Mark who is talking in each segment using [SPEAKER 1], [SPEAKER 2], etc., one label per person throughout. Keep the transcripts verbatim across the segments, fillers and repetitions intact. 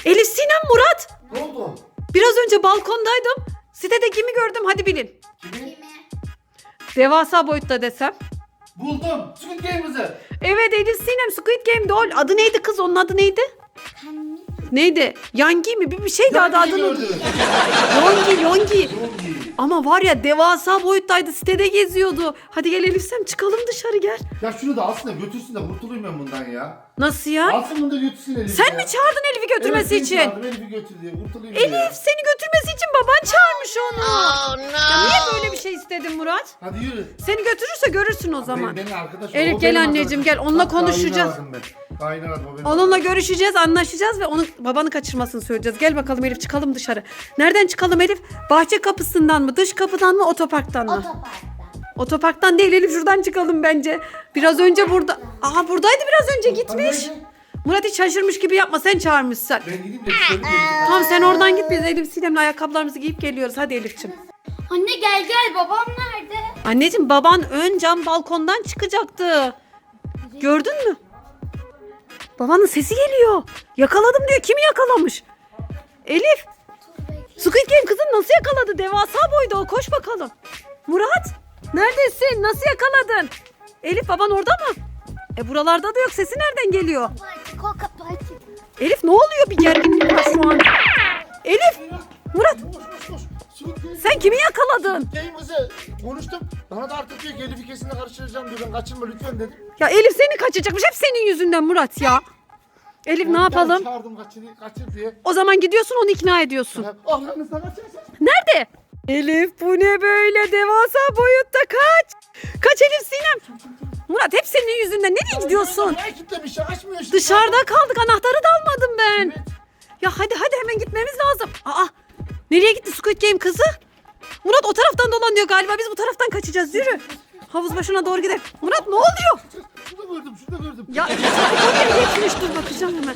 [SPEAKER 1] Elif, Sinem, Murat.
[SPEAKER 2] Ne oldu?
[SPEAKER 1] Biraz önce balkondaydım. Sitede kimi gördüm hadi bilin.
[SPEAKER 2] Kimi?
[SPEAKER 1] Devasa boyutta desem.
[SPEAKER 2] Buldum. Squid Game'imizi.
[SPEAKER 1] Evet Elif, Sinem, Squid Game'de o. Adı neydi kız, onun adı neydi? Neydi? Yangi mi? Bir, bir şey daha da adını.
[SPEAKER 2] gördüm.
[SPEAKER 1] Yongi, Yongi.
[SPEAKER 2] Yongi.
[SPEAKER 1] Ama var ya devasa boyuttaydı, sitede geziyordu. Hadi gel Elif, Sinem, çıkalım dışarı gel.
[SPEAKER 2] Ya şunu da alsın da götürsün de kurtulayım ben bundan ya.
[SPEAKER 1] Nasıl ya?
[SPEAKER 2] Alsın bunu da götürsün Elif'i.
[SPEAKER 1] Sen mi çağırdın Elif'i götürmesi
[SPEAKER 2] evet,
[SPEAKER 1] için?
[SPEAKER 2] Evet Elif'i götür diye kurtulayım
[SPEAKER 1] Elif,
[SPEAKER 2] diye.
[SPEAKER 1] seni götürmesi için baban çağırmış onu.
[SPEAKER 3] Oh no.
[SPEAKER 1] Ya niye böyle bir şey istedin Murat?
[SPEAKER 2] Hadi yürü.
[SPEAKER 1] Seni götürürse görürsün o zaman.
[SPEAKER 2] Benim, benim arkadaşım.
[SPEAKER 1] Elif,
[SPEAKER 2] o
[SPEAKER 1] gel
[SPEAKER 2] benim
[SPEAKER 1] anneciğim,
[SPEAKER 2] arkadaşım.
[SPEAKER 1] gel. Onunla
[SPEAKER 2] Bak,
[SPEAKER 1] konuşacağız.
[SPEAKER 2] Kaynı aradım ben. Kaynı aradım, o benim
[SPEAKER 1] Onunla
[SPEAKER 2] arkadaşım.
[SPEAKER 1] görüşeceğiz, anlaşacağız ve onun babanı kaçırmasını söyleyeceğiz. Gel bakalım Elif, çıkalım dışarı. Nereden çıkalım Elif? Bahçe kapısından mı, dış kapıdan mı, otoparktan mı?
[SPEAKER 3] Otoparkta.
[SPEAKER 1] Otoparktan değil Elif, şuradan çıkalım bence. Biraz önce burada. Aha, buradaydı biraz önce, gitmiş.
[SPEAKER 2] Hadi,
[SPEAKER 1] Murat hiç şaşırmış gibi yapma, sen çağırmışsın.
[SPEAKER 2] Ben gideyim de dışarı geleyim.
[SPEAKER 1] Tamam, sen oradan git, biz Elif Sinem'le ayakkabılarımızı giyip geliyoruz. Hadi Elif'ciğim.
[SPEAKER 3] Anne gel gel, babam nerede?
[SPEAKER 1] Anneciğim, baban ön cam balkondan çıkacaktı. Gördün mü? Babanın sesi geliyor. Yakaladım diyor. Kimi yakalamış? Elif. Squid Game kızın nasıl yakaladı? Devasa boyda o. Koş bakalım. Murat. Neredesin? Nasıl yakaladın? Elif, baban orada mı? E buralarda da yok. Sesi nereden geliyor?
[SPEAKER 3] Koka parti.
[SPEAKER 1] Elif, ne oluyor? Bir gerginlik var şu an. Elif. Murat.
[SPEAKER 2] Koş koş koş. Squid Game.
[SPEAKER 1] Sen kimi yakaladın?
[SPEAKER 2] Game'imizi konuştum. Bana da artık diyor ki Elif'i kesinlikle karıştıracağım diyor. Ben kaçırma lütfen dedim.
[SPEAKER 1] Ya Elif seni kaçacakmış. Hep senin yüzünden Murat ya. Elif, ne
[SPEAKER 2] Ben
[SPEAKER 1] yapalım?
[SPEAKER 2] çağırdım kaçır, kaçır diye.
[SPEAKER 1] O zaman gidiyorsun, onu ikna ediyorsun.
[SPEAKER 2] Allah'ınızla kaçırsın.
[SPEAKER 1] Nerede? Elif, bu ne böyle devasa boyutta, kaç. Kaç Elif, Sinem. Murat, hep senin yüzünden. Nereye gidiyorsun?
[SPEAKER 2] Ya kilitlemiş ya, açmıyor işte.
[SPEAKER 1] Dışarıda kaldık, anahtarı da almadım ben.
[SPEAKER 2] Evet.
[SPEAKER 1] Ya hadi hadi, hemen gitmemiz lazım. Aa, nereye gitti Squid Game kızı? Murat o taraftan dolanıyor galiba, biz bu taraftan kaçacağız, yürü. Havuz başına doğru gidelim. Murat, ne oluyor?
[SPEAKER 2] Şurada gördüm, şurada gördüm.
[SPEAKER 1] Ya oraya geçmiş, dur bakacağım hemen.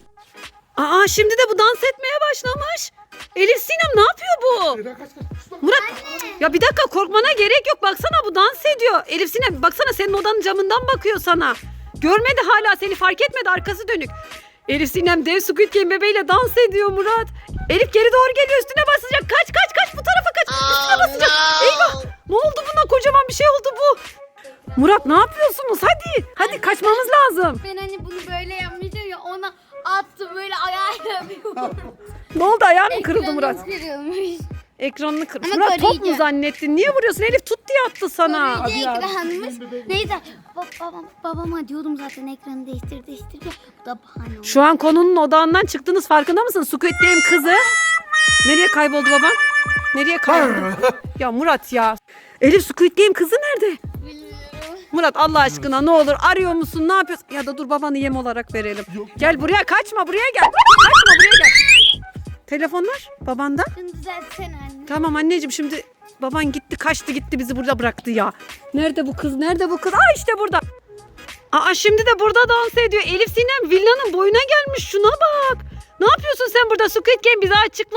[SPEAKER 1] Aa, şimdi de bu dans etmeye başlamış. Elif, Sinem, ne yapıyor bu?
[SPEAKER 2] Eda kaç kaç. Şurada.
[SPEAKER 1] Murat, ya bir dakika, korkmana gerek yok, baksana bu dans ediyor. Elif, Sinem, baksana senin odanın camından bakıyor sana. Görmedi hala, seni fark etmedi, arkası dönük. Elif, Sinem dev Squid Game bebeğiyle dans ediyor Murat. Elif geri doğru geliyor, üstüne basacak. Kaç kaç kaç, bu tarafa kaç, üstüne basacak. Eyvah, ne oldu buna, kocaman bir şey oldu bu. Murat, ne yapıyorsunuz, hadi. Hadi kaçmamız lazım.
[SPEAKER 3] Ben hani bunu böyle yapmayacağım ya, ona attı böyle ayağıyla yapıyor.
[SPEAKER 1] Ne oldu, ayağın mı kırıldı Murat?
[SPEAKER 3] Kırılmış.
[SPEAKER 1] Ekranını kırmış.
[SPEAKER 3] Ama
[SPEAKER 1] Murat, top mu
[SPEAKER 3] koruyacak.
[SPEAKER 1] zannettin? Niye vuruyorsun? Elif tut diye attı sana.
[SPEAKER 2] Hadi ya,
[SPEAKER 3] Ekranımız.
[SPEAKER 2] bizim bebeğim.
[SPEAKER 3] Neyse ba- babam, babama diyordum zaten, ekranı değiştir değiştir diye. Bu da bahane oldu.
[SPEAKER 1] Şu an konunun odağından çıktınız, farkında mısın? Squid Game kızı. Nereye kayboldu baban? Nereye kayboldu? Ya Murat ya. Elif, Squid Game kızı nerede?
[SPEAKER 3] Bilmiyorum.
[SPEAKER 1] Murat, Allah aşkına ne olur, arıyor musun, ne yapıyorsun? Ya da dur, babanı yem olarak verelim.
[SPEAKER 2] Yok.
[SPEAKER 1] Gel buraya, kaçma, buraya gel. Kaçma, buraya gel. Telefonlar babanda.
[SPEAKER 3] Şunu düzeltsene anne.
[SPEAKER 1] Tamam anneciğim, şimdi baban gitti, kaçtı gitti, bizi burada bıraktı ya. Nerede bu kız, nerede bu kız? Aa, işte burada. Aa, şimdi de burada dans ediyor. Elif, Sinem villanın boyuna gelmiş, şuna bak. Ne yapıyorsun sen burada Squid Game, bize açıkla.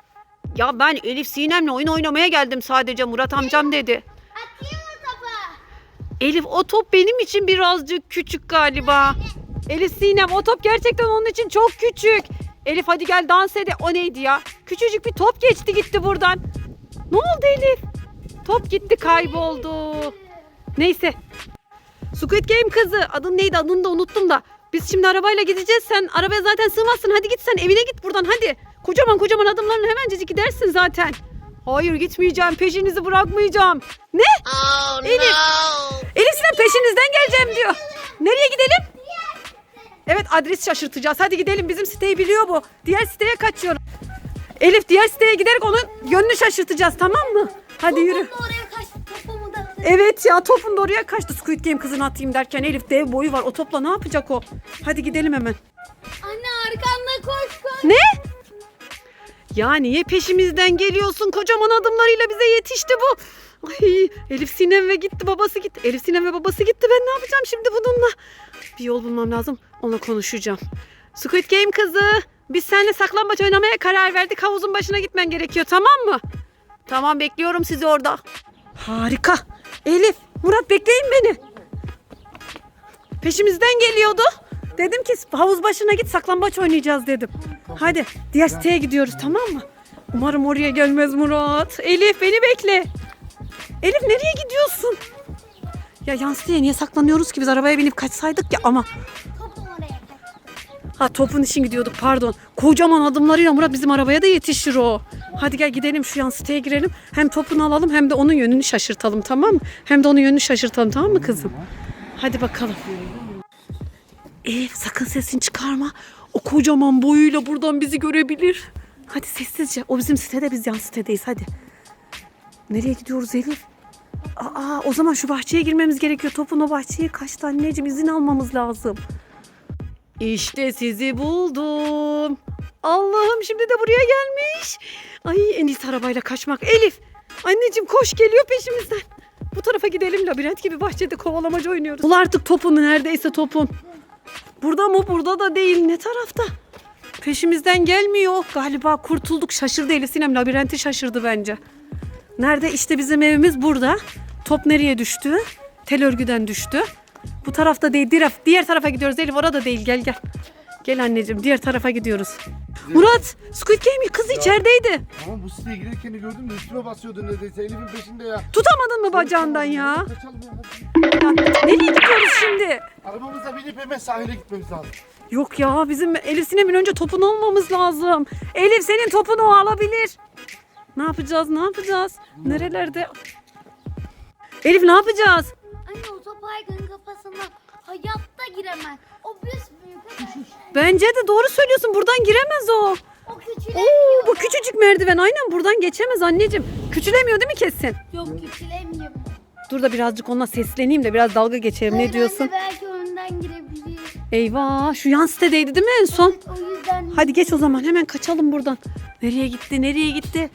[SPEAKER 1] Ya ben Elif Sinem'le oyun oynamaya geldim sadece, Murat amcam dedi.
[SPEAKER 3] Atayım mı topu?
[SPEAKER 1] Elif, o top benim için birazcık küçük galiba. Elif, Sinem, o top gerçekten onun için çok küçük. Elif hadi gel dans ede. O neydi ya? Küçücük bir top geçti gitti buradan. Ne oldu Elif? Top gitti, kayboldu. Neyse. Squid Game kızı. Adın neydi? Adını da unuttum da. Biz şimdi arabayla gideceğiz. Sen arabaya zaten sığmazsın. Hadi git sen evine, git buradan hadi. Kocaman kocaman adımlarla hemencecik gidersin zaten. Hayır, gitmeyeceğim. Peşinizi bırakmayacağım. Ne?
[SPEAKER 3] Oh
[SPEAKER 1] Elif. Elif, Sinem peşinizden geleceğim diyor. Nereye gidelim? Evet, adres şaşırtacağız. Hadi gidelim, bizim siteyi biliyor bu. Diğer siteye kaçıyorum. Elif, diğer siteye giderek onun yönünü şaşırtacağız, tamam mı? Hadi yürü.
[SPEAKER 3] Topumu da oraya kaçtı, topumu da atayım.
[SPEAKER 1] Evet ya, topun da oraya kaçtı Squid Game kızını atayım derken. Elif, dev boyu var, o topla ne yapacak o? Hadi gidelim hemen.
[SPEAKER 3] Anne arkanda koş koş.
[SPEAKER 1] Ne? Ya niye peşimizden geliyorsun? Kocaman adımlarıyla bize yetişti bu. Ay, Elif Sinem ve gitti, babası gitti. Elif Sinem ve babası gitti. Ben ne yapacağım şimdi bununla? Bir yol bulmam lazım. Onunla konuşacağım. Squid Game kızı, biz seninle saklambaç oynamaya karar verdik. Havuzun başına gitmen gerekiyor, tamam mı? Tamam, bekliyorum sizi orada. Harika. Elif, Murat, bekleyin beni. Peşimizden geliyordu. Dedim ki havuz başına git, saklambaç oynayacağız dedim. Hadi diğer siteye gidiyoruz, tamam mı? Umarım oraya gelmez Murat. Elif beni bekle. Elif nereye gidiyorsun? Ya yan siteye niye saklanıyoruz ki, biz arabaya binip kaçsaydık ya ama.
[SPEAKER 3] Topum oraya kaçtı.
[SPEAKER 1] Ha topun için gidiyorduk, pardon. Kocaman adımlarıyla Murat bizim arabaya da yetişir o. Hadi gel gidelim şu yan siteye girelim. Hem topunu alalım hem de onun yönünü şaşırtalım, tamam mı? Hem de onun yönünü şaşırtalım, tamam mı kızım? Hadi bakalım. Elif sakın sesini çıkarma. O kocaman boyuyla buradan bizi görebilir. Hadi sessizce. O bizim sitede, biz yan sitedeyiz, hadi. Nereye gidiyoruz Elif? Aa, o zaman şu bahçeye girmemiz gerekiyor. Topun o bahçeye kaçtı anneciğim, izin almamız lazım. İşte sizi buldum. Allah'ım şimdi de buraya gelmiş. Ay en iyisi arabayla kaçmak. Elif anneciğim koş, geliyor peşimizden. Bu tarafa gidelim, labirent gibi bahçede kovalamaca oynuyoruz. Bul artık topunu, neredeyse topun. Burada mı? Burada da değil. Ne tarafta? Peşimizden gelmiyor. Galiba kurtulduk. Şaşırdı Elif Sinem. Labirenti şaşırdı bence. Nerede? İşte bizim evimiz burada. Top nereye düştü? Tel örgüden düştü. Bu tarafta değil. Diğer, diğer tarafa gidiyoruz Elif. Orada değil. Gel gel. Gel anneciğim. Diğer tarafa gidiyoruz. Murat! Squid Game kız içerideydi.
[SPEAKER 2] Tamam bu siteye girerken gördüm de üstüme basıyordu neredeyse. Elif'in peşinde ya.
[SPEAKER 1] Tutamadın mı bacağından ya?
[SPEAKER 2] Kaçalım ya.
[SPEAKER 1] Ya nereye gidiyoruz şimdi?
[SPEAKER 2] Arabamıza binip hemen sahile gitmemiz lazım.
[SPEAKER 1] Yok ya, bizim Elif Sinem'in önce topunu almamız lazım. Elif senin topunu o alabilir. Ne yapacağız? Ne yapacağız? Nerelerde? Elif ne yapacağız?
[SPEAKER 3] Anne o top Aygın'ın kafasına hayatta giremez. O büyük arkadaşlar.
[SPEAKER 1] Bence de doğru söylüyorsun. Buradan giremez o.
[SPEAKER 3] O küçülemiyor.
[SPEAKER 1] Oo, bu küçücük merdiven. Aynen buradan geçemez anneciğim. Küçülemiyor değil mi kesin?
[SPEAKER 3] Yok küçülemiyor.
[SPEAKER 1] Dur da birazcık onunla sesleneyim de biraz dalga geçelim.
[SPEAKER 3] Hayır
[SPEAKER 1] Ne diyorsun?
[SPEAKER 3] Anne, belki önden girebilir.
[SPEAKER 1] Eyvah, şu yan sitedeydi değil mi en son?
[SPEAKER 3] O yüzden.
[SPEAKER 1] Hadi geç o zaman, hemen kaçalım buradan. Nereye gitti? Nereye gitti?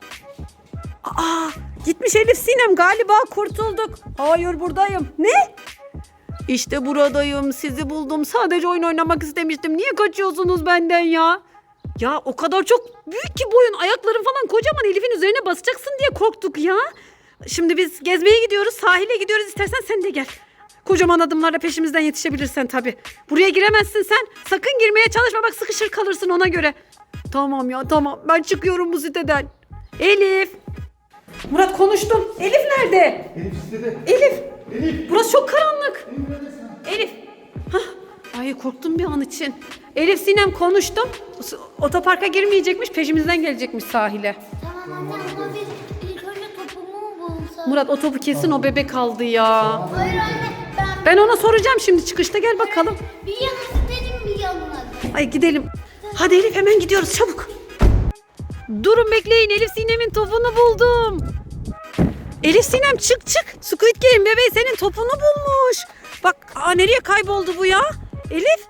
[SPEAKER 1] Aa, gitmiş Elif Sinem, galiba kurtulduk. Hayır buradayım. Ne? İşte buradayım. Sizi buldum. Sadece oyun oynamak istemiştim. Niye kaçıyorsunuz benden ya? Ya o kadar çok büyük ki boyun. Ayakların falan kocaman, Elif'in üzerine basacaksın diye korktuk ya. Şimdi biz gezmeye gidiyoruz. Sahile gidiyoruz. İstersen sen de gel. Kocaman adımlarla peşimizden yetişebilirsen tabii. Buraya giremezsin sen. Sakın girmeye çalışma. Bak sıkışır kalırsın ona göre. Tamam ya tamam. Ben çıkıyorum bu siteden. Elif. Murat konuştum. Elif nerede?
[SPEAKER 2] Elif sitede.
[SPEAKER 1] Elif.
[SPEAKER 2] Elif.
[SPEAKER 1] Burası çok karanlık.
[SPEAKER 2] Elif neredesin?
[SPEAKER 1] Elif. Hah. Ay korktum bir an için. Elif Sinem konuştum. Otoparka girmeyecekmiş. Peşimizden gelecekmiş sahile.
[SPEAKER 3] Tamam anne ama biz ilk önce topumu mu bulsak?
[SPEAKER 1] Murat o topu kesin o bebek aldı ya.
[SPEAKER 3] Hayır anne ben
[SPEAKER 1] Ben ona soracağım şimdi çıkışta, gel bakalım.
[SPEAKER 3] bir yana sitenin bir yanına.
[SPEAKER 1] Ay gidelim. Hadi Elif hemen gidiyoruz çabuk. Durun bekleyin, Elif Sinem'in topunu buldum. Elif Sinem çık çık. Squid Game bebeği senin topunu bulmuş. Bak aa, nereye kayboldu bu ya? Elif.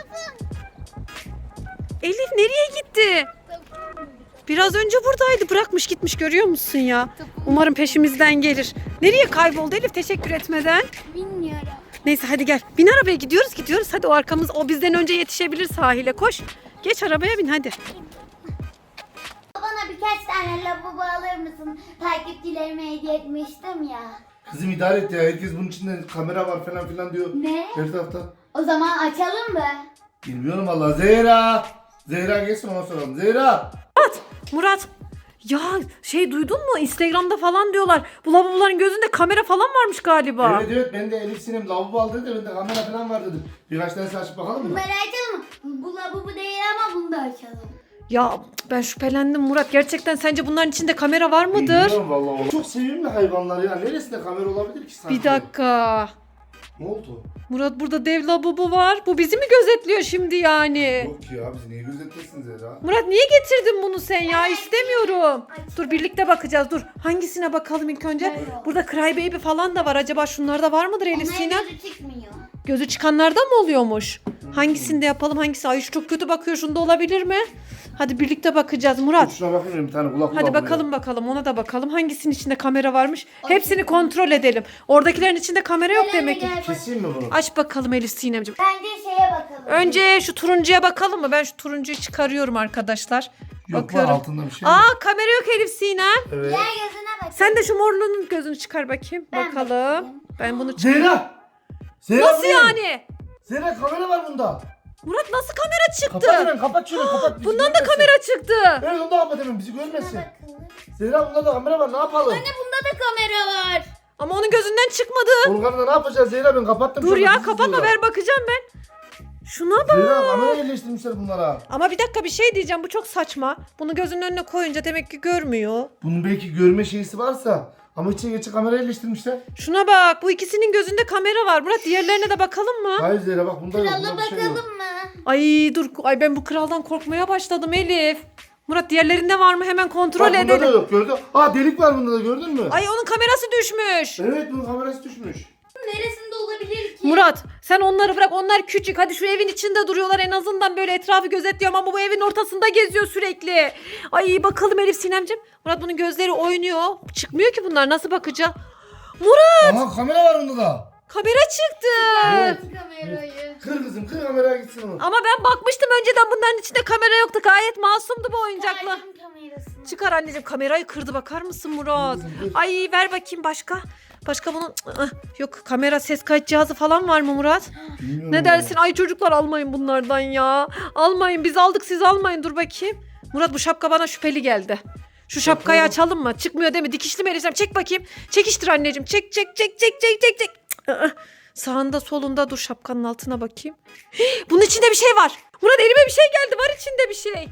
[SPEAKER 1] Elif nereye gitti? Biraz önce buradaydı, bırakmış gitmiş, görüyor musun ya? Umarım peşimizden gelir. Nereye kayboldu Elif teşekkür etmeden?
[SPEAKER 3] Bilmiyorum.
[SPEAKER 1] Neyse hadi gel. Bin arabaya, gidiyoruz gidiyoruz. Hadi o arkamız, o bizden önce yetişebilir sahile, koş. Geç arabaya bin hadi.
[SPEAKER 3] Bana birkaç tane lavabo alır mısın? Takipçilerime hediye etmiştim ya.
[SPEAKER 2] Kızım idare et ya. Herkes bunun içinde kamera var falan filan diyor.
[SPEAKER 3] Ne?
[SPEAKER 2] Her tarafta.
[SPEAKER 3] O zaman açalım mı?
[SPEAKER 2] Bilmiyorum valla. Zehra. Zehra gelsin ona soralım. Zehra.
[SPEAKER 1] Murat, Murat. Ya şey duydun mu? Instagram'da falan diyorlar. Bu lavaboların gözünde kamera falan varmış galiba.
[SPEAKER 2] Evet evet ben de Elif Sinem lavabo aldı dedi. Ben de kamera falan var dedim. Birkaç tane açıp bakalım mı?
[SPEAKER 3] Bunları açalım mı? Bu lavabo değil ama bunu da açalım.
[SPEAKER 1] Ya ben şüphelendim Murat. Gerçekten sence bunların içinde kamera var mıdır?
[SPEAKER 2] Bilmiyorum valla. Çok sevimli hayvanlar ya. Neresinde kamera olabilir ki sanki?
[SPEAKER 1] Bir dakika.
[SPEAKER 2] Ne oldu?
[SPEAKER 1] Murat burada dev lavabo var. Bu bizi mi gözetliyor şimdi yani?
[SPEAKER 2] Yok ya bizi niye gözetlesin Zehra?
[SPEAKER 1] Murat niye getirdin bunu sen ya? İstemiyorum. Dur birlikte bakacağız. Dur. Hangisine bakalım ilk önce?
[SPEAKER 3] Yok.
[SPEAKER 1] Burada Cry Baby falan da var. Acaba şunlarda var mıdır Elif
[SPEAKER 3] Onların
[SPEAKER 1] Sinem?
[SPEAKER 3] gözü çıkmıyor.
[SPEAKER 1] Gözü çıkanlardan mı oluyormuş? Hangisinde yapalım? Hangisi? Ay şu çok kötü bakıyor. Şunda olabilir mi? Hadi birlikte bakacağız Murat.
[SPEAKER 2] Şuna bakayım bir tane kulak
[SPEAKER 1] Hadi
[SPEAKER 2] kulak
[SPEAKER 1] bakalım bakalım ona da bakalım. Hangisinin içinde kamera varmış? Hepsini kontrol edelim. Oradakilerin içinde kamera yok
[SPEAKER 3] Gel
[SPEAKER 1] demek ki.
[SPEAKER 3] anne, gel bak.
[SPEAKER 2] Keseyim mi bunu?
[SPEAKER 1] Aç bakalım Elif Sinemciğim.
[SPEAKER 3] Bence şeye bakalım.
[SPEAKER 1] Önce şu turuncuya bakalım mı? Ben şu turuncuyu çıkarıyorum arkadaşlar.
[SPEAKER 2] Yok
[SPEAKER 1] Bakıyorum.
[SPEAKER 2] var altında bir şey mi?
[SPEAKER 1] Aa kamera yok Elif Sinem.
[SPEAKER 2] Evet.
[SPEAKER 3] Gel gözüne bak.
[SPEAKER 1] Sen de şu morluğunun gözünü çıkar bakayım.
[SPEAKER 3] Ben
[SPEAKER 1] bakalım.
[SPEAKER 3] bakayım.
[SPEAKER 1] Ben bunu çıkar.
[SPEAKER 2] Zehra! Zehra
[SPEAKER 1] Nasıl
[SPEAKER 2] bu ne?
[SPEAKER 1] yani?
[SPEAKER 2] Zehra kamera var bunda.
[SPEAKER 1] Murat nasıl kamera çıktı?
[SPEAKER 2] Kapat hemen kapat şunu kapat. bizi
[SPEAKER 1] Bundan da
[SPEAKER 2] görmesin.
[SPEAKER 1] kamera çıktı.
[SPEAKER 2] Evet onu da kapat hemen bizi görmesin.
[SPEAKER 3] Bakalım.
[SPEAKER 2] Zehra bunda da kamera var ne yapalım?
[SPEAKER 3] Anne bunda da kamera var.
[SPEAKER 1] Ama onun gözünden çıkmadı.
[SPEAKER 2] Volkan'da ne yapacağız Zehra ben kapattım.
[SPEAKER 1] Dur
[SPEAKER 2] şu anda,
[SPEAKER 1] ya
[SPEAKER 2] bizi
[SPEAKER 1] kapatma
[SPEAKER 2] izliyorlar.
[SPEAKER 1] ver bakacağım ben. Şuna bak.
[SPEAKER 2] Zehra kamera yerleştirmişler bunlara.
[SPEAKER 1] Ama bir dakika bir şey diyeceğim bu çok saçma. Bunu gözünün önüne koyunca demek ki görmüyor.
[SPEAKER 2] Bunun belki görme şeysi varsa ama içine geçe kamera yerleştirmişler.
[SPEAKER 1] Şuna bak bu ikisinin gözünde kamera var. Murat diğerlerine de bakalım mı?
[SPEAKER 2] Hayır Zehra bak bunda yok.
[SPEAKER 3] Krala
[SPEAKER 2] Bunda bir şey yok.
[SPEAKER 3] bakalım mı?
[SPEAKER 1] Ay dur ay ben bu kraldan korkmaya başladım Elif. Murat diğerlerinde var mı hemen kontrol
[SPEAKER 2] Bak bunda da
[SPEAKER 1] edelim.
[SPEAKER 2] yok gördün. Aa delik var bunda da gördün mü?
[SPEAKER 1] Ay onun kamerası düşmüş.
[SPEAKER 2] Evet bunun kamerası düşmüş.
[SPEAKER 3] Neresinde olabilir ki?
[SPEAKER 1] Murat sen onları bırak onlar küçük. Hadi şu evin içinde duruyorlar en azından böyle etrafı gözetliyor ama bu evin ortasında geziyor sürekli. Ay bakalım Elif Sinemcim. Murat bunun gözleri oynuyor. Çıkmıyor ki bunlar nasıl bakacağız? Murat
[SPEAKER 2] Aha kamera var bunda da.
[SPEAKER 1] kamera çıktı.
[SPEAKER 2] Evet.
[SPEAKER 3] Kamerayı.
[SPEAKER 2] Kır kızım kır kameraya gitsin onu.
[SPEAKER 1] Ama ben bakmıştım önceden bunların içinde kamera yoktu. Gayet masumdu bu oyuncaklar.
[SPEAKER 3] Kaydın kamerasını.
[SPEAKER 1] Çıkar anneciğim kamerayı kırdı bakar mısın Murat?
[SPEAKER 2] Kızım, dur.
[SPEAKER 1] Ay ver bakayım başka. Başka bunun Ih, yok kamera ses kayıt cihazı falan var mı Murat?
[SPEAKER 2] Bilmiyorum
[SPEAKER 1] Ne
[SPEAKER 2] ama.
[SPEAKER 1] dersin? Ay çocuklar almayın bunlardan ya. Almayın biz aldık siz almayın dur bakayım. Murat bu şapka bana şüpheli geldi. Şu şapkayı
[SPEAKER 2] Bakalım.
[SPEAKER 1] açalım mı? Çıkmıyor değil mi? Dikişli mi Elisem? Çek bakayım. Çekiştir anneciğim. Çek çek çek çek çek çek çek. Ih, sağında solunda dur şapkanın altına bakayım. Hii, bunun içinde bir şey var. Murat elime bir şey geldi. Var içinde bir şey.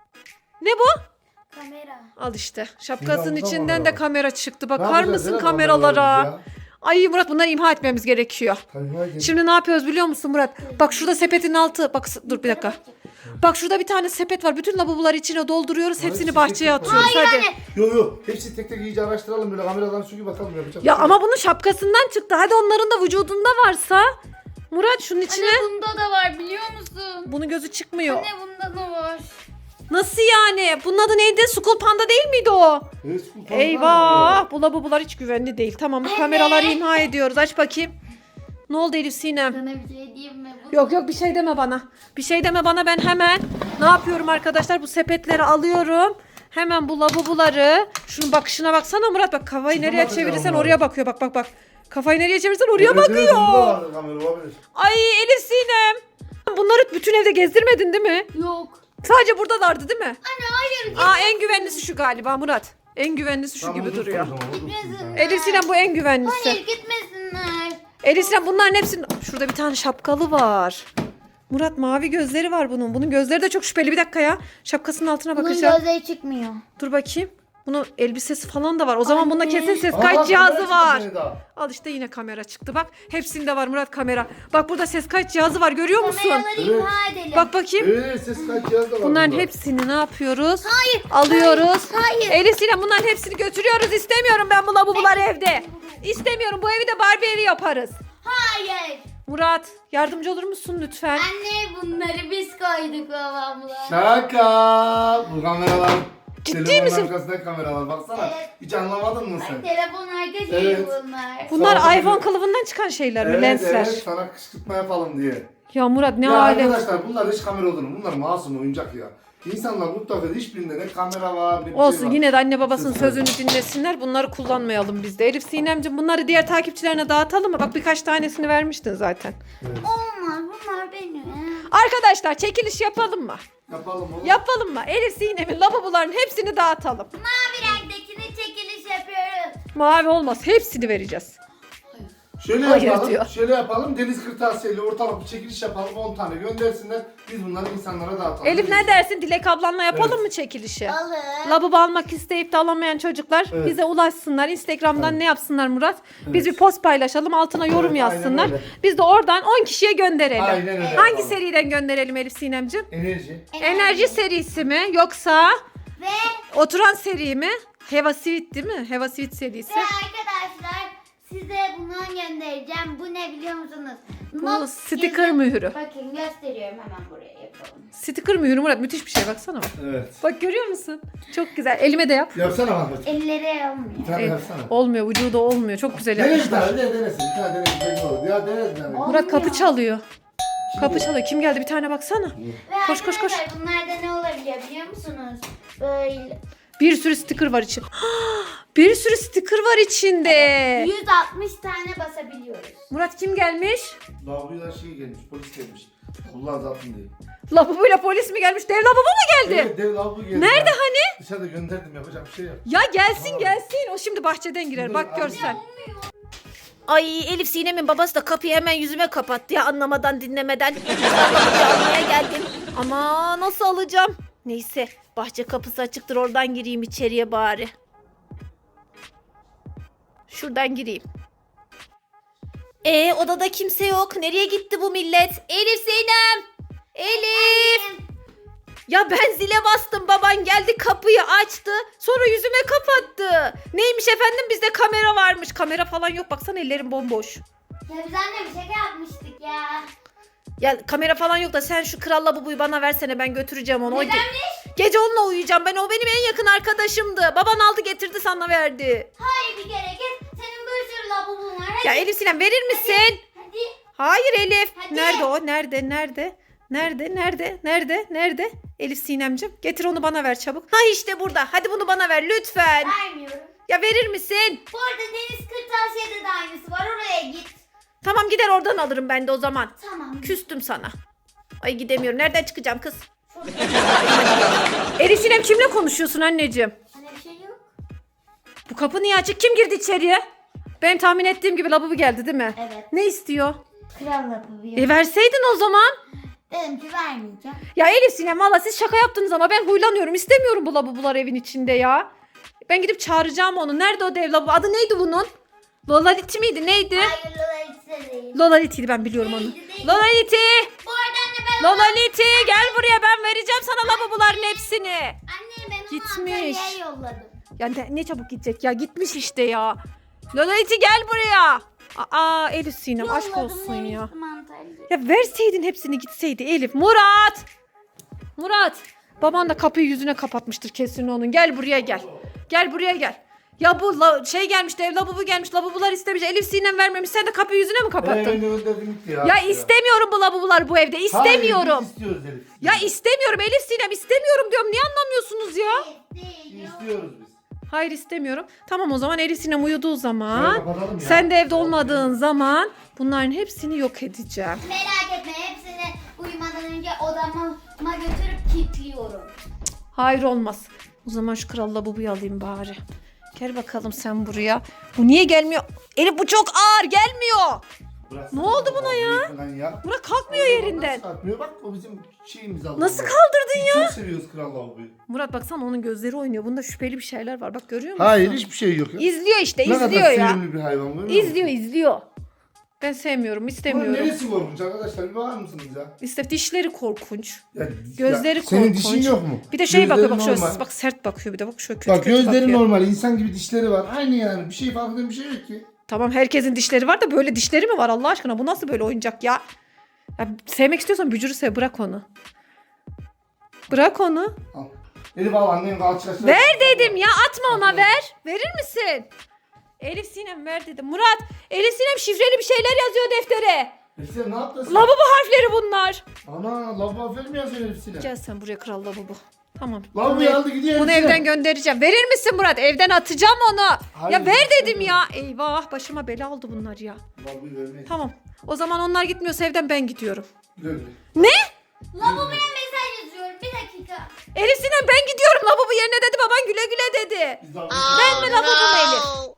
[SPEAKER 1] Ne bu?
[SPEAKER 3] Kamera.
[SPEAKER 1] Al işte. Şapkasının
[SPEAKER 2] Zehra,
[SPEAKER 1] içinden
[SPEAKER 2] burada
[SPEAKER 1] de
[SPEAKER 2] var.
[SPEAKER 1] kamera çıktı.
[SPEAKER 2] Ne
[SPEAKER 1] Bakar
[SPEAKER 2] yapacağız
[SPEAKER 1] mısın
[SPEAKER 2] Zehra,
[SPEAKER 1] kameralara?
[SPEAKER 2] kameralarımız ya?
[SPEAKER 1] Ay Murat bunları imha etmemiz gerekiyor.
[SPEAKER 2] Tabii, hadi.
[SPEAKER 1] Şimdi ne yapıyoruz biliyor musun Murat? Bak şurada sepetin altı. Bak s- dur bir dakika. Bak şurada bir tane sepet var. Bütün lavaboları içine dolduruyoruz.
[SPEAKER 2] Hayır,
[SPEAKER 1] Hepsini
[SPEAKER 2] sepet
[SPEAKER 1] bahçeye
[SPEAKER 2] yok.
[SPEAKER 1] atıyoruz. Hadi.
[SPEAKER 2] Yok yok hepsi tek tek iyice araştıralım böyle kameradan çünkü bakalım yapacak.
[SPEAKER 1] Ya
[SPEAKER 2] bir şey
[SPEAKER 1] ama
[SPEAKER 2] yok.
[SPEAKER 1] bunun şapkasından çıktı. Hadi onların da vücudunda varsa. Murat şunun içine.
[SPEAKER 3] Anne bunda da var biliyor musun?
[SPEAKER 1] Bunun gözü çıkmıyor.
[SPEAKER 3] Anne bunda da var.
[SPEAKER 1] Nasıl yani? Bunun adı neydi? School Panda değil miydi o?
[SPEAKER 2] Evet, bu falan var
[SPEAKER 1] Eyvah. Bu lavabolar hiç güvenli değil. Tamam bu
[SPEAKER 3] Anne.
[SPEAKER 1] kameraları imha ediyoruz. Aç bakayım. Ne oldu Elif Sinem?
[SPEAKER 3] Sana bir şey diyeyim mi? Bu
[SPEAKER 1] Yok yok bir şey deme bana. Bir şey deme bana ben hemen ne yapıyorum arkadaşlar bu sepetleri alıyorum. Hemen bu lavaboları. Şunun bakışına baksana Murat bak kafayı
[SPEAKER 2] Şuna
[SPEAKER 1] nereye
[SPEAKER 2] bakacağım
[SPEAKER 1] çevirirsen
[SPEAKER 2] Murat.
[SPEAKER 1] oraya bakıyor bak bak bak. Kafayı nereye çevirirsen oraya
[SPEAKER 2] Evet, evet,
[SPEAKER 1] bakıyor.
[SPEAKER 2] bunda vardır kamera olabilir.
[SPEAKER 1] Ay Elif Sinem. Bunları bütün evde gezdirmedin değil mi?
[SPEAKER 3] Yok.
[SPEAKER 1] Sadece buradalardı değil mi?
[SPEAKER 3] Anne hayır.
[SPEAKER 1] Aa en güvenlisi şu galiba Murat. En güvenlisi şu
[SPEAKER 2] Tamam,
[SPEAKER 1] gibi
[SPEAKER 2] dur,
[SPEAKER 1] duruyor.
[SPEAKER 2] tamam, dur, dur.
[SPEAKER 3] Gitmesinler.
[SPEAKER 1] Elif Sinem bu en güvenlisi.
[SPEAKER 3] Hayır gitmesinler.
[SPEAKER 1] Elif Sinem bunların hepsinin... Şurada bir tane şapkalı var. Murat mavi gözleri var bunun. Bunun gözleri de çok şüpheli. Bir dakika ya. Şapkasının altına
[SPEAKER 3] Bunun
[SPEAKER 1] bakacağım.
[SPEAKER 3] gözleri çıkmıyor.
[SPEAKER 1] Dur bakayım. Bunun elbisesi falan da var. O zaman bunda
[SPEAKER 3] Anne.
[SPEAKER 1] kesin ses
[SPEAKER 2] Aa,
[SPEAKER 1] kayıt
[SPEAKER 2] kamera
[SPEAKER 1] cihazı
[SPEAKER 2] çıktı
[SPEAKER 1] var.
[SPEAKER 2] gene daha.
[SPEAKER 1] Al işte yine kamera çıktı. Bak hepsinde var Murat kamera. Bak burada ses kayıt cihazı var. Görüyor musun?
[SPEAKER 3] Kameraları
[SPEAKER 2] Evet.
[SPEAKER 3] imha edelim.
[SPEAKER 1] Bak bakayım.
[SPEAKER 2] Evet ses kayıt cihazı da var.
[SPEAKER 1] Bunların
[SPEAKER 2] bunda.
[SPEAKER 1] hepsini ne yapıyoruz?
[SPEAKER 3] Hayır.
[SPEAKER 1] Alıyoruz.
[SPEAKER 3] Hayır.
[SPEAKER 1] Elif Sinem bunların hepsini götürüyoruz. İstemiyorum ben bu lavaboları evde. İstemiyorum. Bu evi de Barbie evi yaparız.
[SPEAKER 3] Hayır.
[SPEAKER 1] Murat yardımcı olur musun lütfen?
[SPEAKER 3] Anne bunları biz koyduk babamla.
[SPEAKER 2] Şaka. Bu kameralar.
[SPEAKER 1] Ciddi
[SPEAKER 2] Telefonun
[SPEAKER 1] misin?
[SPEAKER 2] arkasındaki kameralar baksana.
[SPEAKER 3] Evet.
[SPEAKER 2] Hiç anlamadın mı
[SPEAKER 3] Ay,
[SPEAKER 2] sen?
[SPEAKER 3] telefon arka şeyi
[SPEAKER 2] Evet.
[SPEAKER 3] bunlar.
[SPEAKER 1] Bunlar
[SPEAKER 2] Sağ ol.
[SPEAKER 1] iPhone kılıfından çıkan şeyler mi?
[SPEAKER 2] Evet
[SPEAKER 1] Lensler.
[SPEAKER 2] evet sana kışkırtma yapalım diye.
[SPEAKER 1] Ya Murat ne
[SPEAKER 2] ya
[SPEAKER 1] alem.
[SPEAKER 2] arkadaşlar bunlar hiç kamera olur mu? Bunlar masum oyuncak ya. İnsanlar mutlaka hiçbirinde ne kamera var ne bir
[SPEAKER 1] Olsun
[SPEAKER 2] şey var.
[SPEAKER 1] yine de anne babasının
[SPEAKER 2] Ses
[SPEAKER 1] sözünü dinlesinler. Bunları kullanmayalım biz de. Elif Sinemciğim bunları diğer takipçilerine dağıtalım mı? Bak birkaç tanesini vermiştin zaten.
[SPEAKER 3] Olmaz bunlar benim.
[SPEAKER 1] Arkadaşlar çekiliş yapalım mı?
[SPEAKER 2] Yapalım oğlum.
[SPEAKER 1] Yapalım mı? Elif Sinem'in lavaboların hepsini dağıtalım.
[SPEAKER 3] Mavi renktekini çekiliş yapıyoruz.
[SPEAKER 1] Mavi olmaz. Hepsini vereceğiz.
[SPEAKER 2] Şöyle
[SPEAKER 1] Hayır
[SPEAKER 2] yapalım.
[SPEAKER 1] diyor.
[SPEAKER 2] Şöyle yapalım. Deniz kırtasiyeyle ortalık bir çekiliş yapalım. on tane göndersinler. Biz bunları insanlara dağıtalım.
[SPEAKER 1] Elif ne dersin? Dilek ablanla yapalım
[SPEAKER 2] Evet.
[SPEAKER 1] mı çekilişi?
[SPEAKER 3] Alır.
[SPEAKER 1] Lavabo almak isteyip de alamayan çocuklar
[SPEAKER 2] Evet.
[SPEAKER 1] bize ulaşsınlar. Instagram'dan
[SPEAKER 2] Evet.
[SPEAKER 1] ne yapsınlar Murat? Biz
[SPEAKER 2] Evet.
[SPEAKER 1] bir post paylaşalım. Altına yorum
[SPEAKER 2] Evet, aynen
[SPEAKER 1] yazsınlar.
[SPEAKER 2] öyle.
[SPEAKER 1] Biz de oradan on kişiye gönderelim.
[SPEAKER 2] Aynen öyle
[SPEAKER 1] Hangi
[SPEAKER 2] yapalım.
[SPEAKER 1] seriden gönderelim Elif Sinemciğim?
[SPEAKER 2] Enerji.
[SPEAKER 1] Enerji serisi mi yoksa
[SPEAKER 3] Ve,
[SPEAKER 1] oturan seri mi? Heva Sweet değil mi? Heva Sweet serisi.
[SPEAKER 3] ve arkadaşlar size bundan göndereceğim. Bu ne biliyor musunuz?
[SPEAKER 1] Bu
[SPEAKER 3] Not
[SPEAKER 1] sticker
[SPEAKER 3] yazı-
[SPEAKER 1] mühürü.
[SPEAKER 3] Bakın gösteriyorum hemen buraya yapalım.
[SPEAKER 1] Sticker mühürü Murat müthiş bir şey baksana bak.
[SPEAKER 2] Evet.
[SPEAKER 1] Bak görüyor musun? Çok güzel. Elime de yap.
[SPEAKER 2] Yapsana Mahmut.
[SPEAKER 3] Elleri olmuyor.
[SPEAKER 2] Bir tane
[SPEAKER 1] El-
[SPEAKER 2] yapsana.
[SPEAKER 1] olmuyor vücuda olmuyor. Çok güzel
[SPEAKER 2] Dene bir
[SPEAKER 1] yapmışlar.
[SPEAKER 2] tane. De, denesin. Bir tane denesin. Belki olur. Ya dene bir tane.
[SPEAKER 1] Murat kapı
[SPEAKER 3] Olmuyor.
[SPEAKER 1] çalıyor. Kapı çalıyor. Kim geldi? Bir tane baksana.
[SPEAKER 3] Ve
[SPEAKER 1] Koş, koş, koş.
[SPEAKER 3] arkadaşlar bunlarda ne olabiliyor biliyor musunuz? Böyle
[SPEAKER 1] Bir sürü sticker var içinde. Bir sürü sticker var içinde.
[SPEAKER 3] yüz altmış tane basabiliyoruz.
[SPEAKER 1] Murat kim gelmiş?
[SPEAKER 2] Lavaboya şey gelmiş. Polis gelmiş. Allah zaten değil.
[SPEAKER 1] Lavabuyla polis mi gelmiş? Dev lavabo mu geldi?
[SPEAKER 2] Evet, dev lavabo geldi.
[SPEAKER 1] Nerede
[SPEAKER 2] Ya.
[SPEAKER 1] hani?
[SPEAKER 2] Dışarıda gönderdim, yapacak bir şey yok.
[SPEAKER 1] Ya gelsin
[SPEAKER 2] Tamam.
[SPEAKER 1] gelsin. O şimdi bahçeden girer.
[SPEAKER 2] Dur,
[SPEAKER 1] Bak
[SPEAKER 2] al.
[SPEAKER 1] görsen. Ay Elif Sinem'in babası da kapıyı hemen yüzüme kapattı ya anlamadan dinlemeden. Kapıyı almaya geldim. Ama nasıl alacağım? Neyse bahçe kapısı açıktır, oradan gireyim içeriye bari. Şuradan gireyim. E odada kimse yok. Nereye gitti bu millet? Elif Sinem! Elif! Ya ben zile bastım, baban geldi kapıyı açtı, sonra yüzüme kapattı. Neymiş efendim, bizde kamera varmış. Kamera falan yok, baksana ellerim bomboş.
[SPEAKER 3] Ya biz anne bir şaka yapmıştık ya.
[SPEAKER 1] Ya kamera falan yok da sen şu Kral Labubu'yu bana versene, ben götüreceğim onu. O ge-
[SPEAKER 3] Nedenmiş?
[SPEAKER 1] Gece onunla uyuyacağım ben, o benim en yakın arkadaşımdı. Baban aldı getirdi sana verdi.
[SPEAKER 3] Hayır bir kere git. Senin bir sürü lavabon var. Hadi.
[SPEAKER 1] Ya Elif Sinem verir misin?
[SPEAKER 3] Hadi.
[SPEAKER 1] Hayır Elif.
[SPEAKER 3] Hadi.
[SPEAKER 1] Nerede o? Nerede? Nerede? Nerede? Nerede? Nerede? Nerede? Elif Sinemcim getir onu bana ver çabuk. Ha işte burada. Hadi bunu bana ver lütfen.
[SPEAKER 3] Vermiyorum.
[SPEAKER 1] Ya verir misin?
[SPEAKER 3] Bu arada Deniz Kırtasiye'de de aynısı var. Oraya git.
[SPEAKER 1] Tamam gider oradan alırım ben de o zaman.
[SPEAKER 3] Tamam.
[SPEAKER 1] Küstüm sana. Ay gidemiyorum. Nereden çıkacağım kız? Elif Sinem kimle konuşuyorsun anneciğim?
[SPEAKER 3] Hani bir şey yok.
[SPEAKER 1] Bu kapı niye açık? Kim girdi içeriye? Benim tahmin ettiğim gibi lavabo geldi değil mi?
[SPEAKER 3] Evet.
[SPEAKER 1] Ne istiyor?
[SPEAKER 3] Kral yapıyor.
[SPEAKER 1] E verseydin o zaman.
[SPEAKER 3] Dedim ki vermeyeceğim.
[SPEAKER 1] Ya Elif Sinem valla siz şaka yaptınız ama ben huylanıyorum. İstemiyorum bu lavabolar evin içinde ya. Ben gidip çağıracağım onu. Nerede o dev lavabo? Adı neydi bunun? Lolaliti miydi? Neydi?
[SPEAKER 3] Hayır Lola değil.
[SPEAKER 1] Lolaliti'ydi, ben biliyorum onu.
[SPEAKER 3] Neydi, neydi?
[SPEAKER 1] Lolaliti!
[SPEAKER 3] Bu arada anne ben
[SPEAKER 1] Lolaliti gel buraya, ben vereceğim sana lavaboların hepsini.
[SPEAKER 3] Anne ben onu
[SPEAKER 1] Gitmiş.
[SPEAKER 3] Antalya'ya yolladım.
[SPEAKER 1] Ya ne, ne çabuk gidecek ya, gitmiş işte ya. Lolaliti gel buraya. Aa Elif Sinem aşk
[SPEAKER 3] Yolladım,
[SPEAKER 1] olsun ya.
[SPEAKER 3] demiştim Antalya'ya.
[SPEAKER 1] Ya verseydin hepsini gitseydi Elif. Murat! Murat! Baban da kapıyı yüzüne kapatmıştır kesin onun. Gel buraya gel. Gel buraya gel. Ya bu la- şey gelmiş, dev lavabo gelmiş. Lavabolar istemiş. Elif Sinem vermemiş. Sen de kapıyı yüzüne mi kapattın?
[SPEAKER 2] Ee, ben de gönderdim gitti ya.
[SPEAKER 1] Ya istemiyorum bu lavabolar bu evde. İstemiyorum.
[SPEAKER 2] Hayır, biz istiyoruz Elif.
[SPEAKER 1] Ya istemiyorum Elif Sinem, istemiyorum diyorum. Niye anlamıyorsunuz ya?
[SPEAKER 3] Değil. yok.
[SPEAKER 2] İstiyoruz biz.
[SPEAKER 1] Hayır istemiyorum. Tamam o zaman Elif Sinem uyuduğu
[SPEAKER 2] Şöyle
[SPEAKER 1] zaman,
[SPEAKER 2] kapatalım ya.
[SPEAKER 1] sen de evde olmadığın zaman bunların hepsini yok edeceğim.
[SPEAKER 3] Merak etme hepsini uyumadan önce odama götürüp kilitliyorum.
[SPEAKER 1] Hayır olmaz. O zaman şu Kral Labubu'yu alayım bari. Gel bakalım sen buraya. Bu niye gelmiyor? Elif bu çok ağır, gelmiyor.
[SPEAKER 2] Bıraksana
[SPEAKER 1] Ne oldu buna
[SPEAKER 2] lavaboyu
[SPEAKER 1] ya?
[SPEAKER 2] falan ya.
[SPEAKER 1] Murat kalkmıyor yerinden.
[SPEAKER 2] Nasıl kalkmıyor? Bak o bizim şeyimiz aldı.
[SPEAKER 1] Nasıl
[SPEAKER 2] Biz
[SPEAKER 1] kaldırdın ya?
[SPEAKER 2] Çok seviyoruz Kral Lavaboyu.
[SPEAKER 1] Murat baksana onun gözleri oynuyor. Bunda şüpheli bir şeyler var. Bak görüyor musun?
[SPEAKER 2] Hayır hiçbir şey yok ya.
[SPEAKER 1] İzliyor işte,
[SPEAKER 2] Ne kadar
[SPEAKER 1] izliyor ya.
[SPEAKER 2] sevimli bir hayvan görüyor musun?
[SPEAKER 1] İzliyor, izliyor. Ben sevmiyorum,
[SPEAKER 2] Bunun
[SPEAKER 1] istemiyorum.
[SPEAKER 2] neresi korkunç arkadaşlar? Bir bakar mısınız ya?
[SPEAKER 1] İşte dişleri korkunç.
[SPEAKER 2] Ya,
[SPEAKER 1] Gözleri
[SPEAKER 2] ya, senin
[SPEAKER 1] korkunç.
[SPEAKER 2] dişin yok mu?
[SPEAKER 1] Bir de şey bakıyor,
[SPEAKER 2] Gözleri
[SPEAKER 1] bak şöyle
[SPEAKER 2] normal.
[SPEAKER 1] bak sert bakıyor, bir de bak şöyle kötü
[SPEAKER 2] Bak
[SPEAKER 1] kötü
[SPEAKER 2] gözleri
[SPEAKER 1] bakıyor.
[SPEAKER 2] normal. İnsan gibi dişleri var. Aynı yani. Bir şey fark eden bir şey yok ki.
[SPEAKER 1] Tamam herkesin dişleri var da böyle dişleri mi var Allah aşkına? Bu nasıl böyle oyuncak ya? Ya sevmek istiyorsan bücürü sev, bırak onu. Bırak onu.
[SPEAKER 2] Al. Elif al annen kalçasına.
[SPEAKER 1] Ver dedim ya, atma ona, ver. Verir misin? Elif Sinem ver dedim. Murat, Elif Sinem şifreli bir şeyler yazıyor deftere.
[SPEAKER 2] Elif sen ne yaptın sen?
[SPEAKER 1] Lavabo harfleri bunlar.
[SPEAKER 2] Ana lavabo aferin mi yazıyorsun Elif Sinem?
[SPEAKER 1] Gel sen buraya Kral Lavabo. Tamam.
[SPEAKER 2] Lavaboyu
[SPEAKER 1] Bunu-
[SPEAKER 2] aldı gidiyor
[SPEAKER 1] Bunu
[SPEAKER 2] Elif Sinem.
[SPEAKER 1] evden göndereceğim. Verir misin Murat? Evden atacağım onu.
[SPEAKER 2] Hayır,
[SPEAKER 1] ya ver dedim
[SPEAKER 2] istemiyorum.
[SPEAKER 1] ya. Eyvah başıma bela oldu bunlar ya.
[SPEAKER 2] Lavaboyu vermeyiz.
[SPEAKER 1] Tamam. O zaman onlar gitmiyorsa evden ben gidiyorum.
[SPEAKER 2] Güle güle.
[SPEAKER 1] Ne?
[SPEAKER 3] Lavaboya mesaj yazıyorum bir dakika.
[SPEAKER 1] Elif Sinem ben gidiyorum. Lavabo yerine dedi, baban güle güle dedi.
[SPEAKER 2] Biz lavaboyu-
[SPEAKER 1] Ben mi lavabo mu Elif?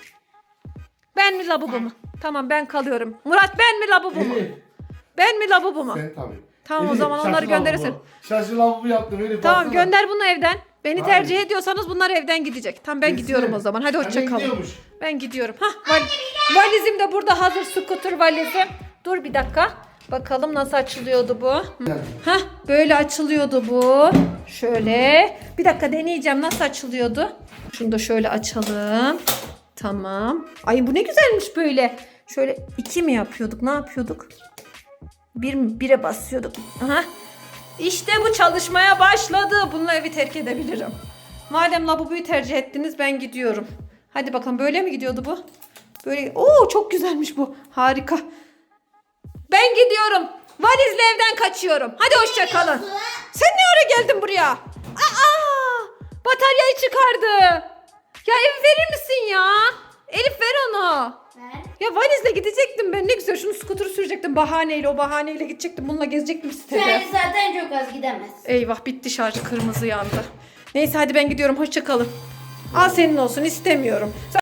[SPEAKER 1] Ben mi lavabo mu? Tamam ben kalıyorum. Murat ben mi lavabo mu?
[SPEAKER 2] Elif
[SPEAKER 1] Ben mi lavabo mu?
[SPEAKER 2] sen tabii.
[SPEAKER 1] Tamam, o
[SPEAKER 2] Elif,
[SPEAKER 1] zaman onları
[SPEAKER 2] şaşı
[SPEAKER 1] gönderirsin.
[SPEAKER 2] lavabo. Şaşı lavabo yaptım Elif.
[SPEAKER 1] Tamam
[SPEAKER 2] baksana.
[SPEAKER 1] gönder bunu evden. Beni
[SPEAKER 2] Hayır.
[SPEAKER 1] tercih ediyorsanız bunlar evden gidecek. Tamam ben
[SPEAKER 2] Elif
[SPEAKER 1] gidiyorum
[SPEAKER 2] Sinem,
[SPEAKER 1] o zaman. Hadi hoşça
[SPEAKER 2] annen
[SPEAKER 1] kalın.
[SPEAKER 2] gidiyormuş.
[SPEAKER 1] Ben gidiyorum. Hah, val- valizim de burada hazır, scooter valizim. Dur bir dakika. Bakalım nasıl açılıyordu bu. Hah, böyle açılıyordu bu. Şöyle. Bir dakika deneyeceğim nasıl açılıyordu. Şunu da şöyle açalım. Tamam. Ay bu ne güzelmiş böyle. Şöyle iki mi yapıyorduk? Ne yapıyorduk? Bir mi? Bire basıyorduk. Aha. İşte bu çalışmaya başladı. Bununla evi terk edebilirim. Madem lavaboyu tercih ettiniz ben gidiyorum. Hadi bakalım, böyle mi gidiyordu bu? Böyle. Oo çok güzelmiş bu. Harika. Ben gidiyorum. Valizle evden kaçıyorum. Hadi hoşça kalın. Sen ne ara geldin buraya? Aa! Bataryayı çıkardı. Ya evi verir misin ya? Elif ver onu.
[SPEAKER 3] Ver.
[SPEAKER 1] Ya valizle gidecektim ben, ne güzel şunu skuturu sürecektim. gidecektim bahaneyle. O bahaneyle gidecektim. Bununla gezecektim sitede.
[SPEAKER 3] Yani zaten çok az gidemez.
[SPEAKER 1] Eyvah bitti şarj, kırmızı yandı. Neyse hadi ben gidiyorum. Hoşça kalın. Al senin olsun, istemiyorum.